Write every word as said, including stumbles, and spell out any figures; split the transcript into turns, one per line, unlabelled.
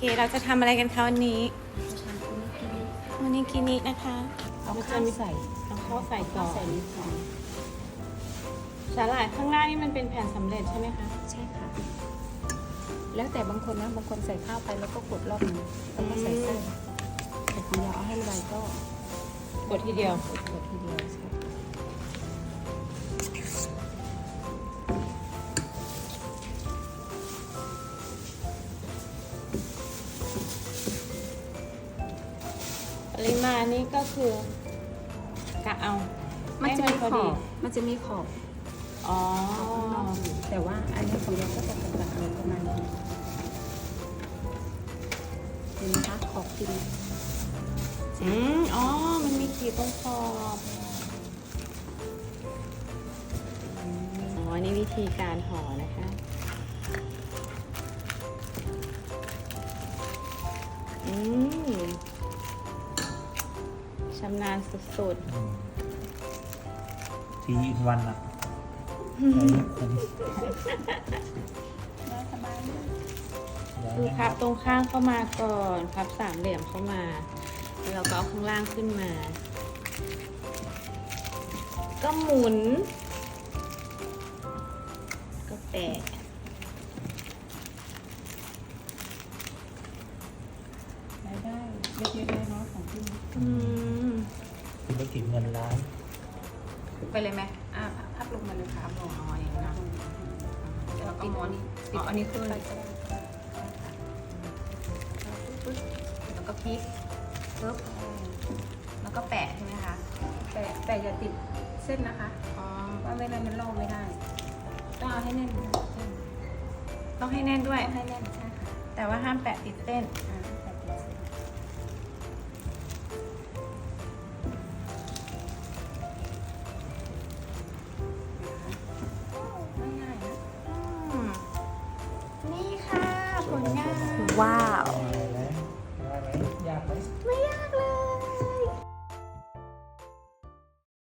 เราจะทำอะไรกันคะวันนี้วันนี้กินินะคะ
เอาข้าวใส่
เอาข้าวใส่ก่อน
ใส่นิดหน่อย
สาหร่ายข้างล่างนี่มันเป็นแผ่นสำเร็จใช่ไหมคะ
ใช่ค่ะ แล้วแต่บางคนนะบางคนใส่ข้าวไปแล้วก็กดรอบนึงแล้วก็ใส่เส้นแต่ของเราเอาให้ละลายก็
กดทีเดียว
กดทีเดียวใช่
ปริมาณนี่ก็คือกะเอา
มันจะมี
ให้
ข
พอ
อ
ดี
บมันจะมีขอบ
อ๋อ
แต่ว่าอันนี้ของเราก็จะเป็นแบบอะไรประมาณนี้เห็นไหมคะขอบจริง
อืมอ๋อ มันมีขีดตรงขอบอ๋อ นี่วิธีการห่อนะคะ อืมชำนาญสุด
ทีอินวันอะใช้ไม่คุ้ม
สบายเลย
ๆคือพับตรงข้างเข้ามาก่อน พับสามเหลี่ยมเข้ามา แล้วเราก็เอาข้างล่างขึ้นมา ก็หมุน ก็แปะ
รายได้เล็กๆน้อยๆของพี่
อืม
ธุรกิจเงินล้าน
ไปเลยไหมอ่าพับลงมาเลยค่ะหมออ๋ออย่างนั้นแล้วก็หมอนี่ติดอันนี้ขึ้นแล้วก็พลิกปึ๊บแล้วก็แปะใช่ไหมคะแปะแต่อย่าติดเส้นนะคะ
อ๋อ
ว่าไม่งั้นมันลอกไม่ได้ ต้องเอาให้แน่นเส้น
ต้องให้แน่นด้วย
ต้องให้แน่นใช่ค่ะ
แต่ว่าห้ามแปะติดเส้น
อ่าแปะติดเส้นง่ายๆนะ
อืมนี่ค่ะ ผลงาน
ว้าว
อ่า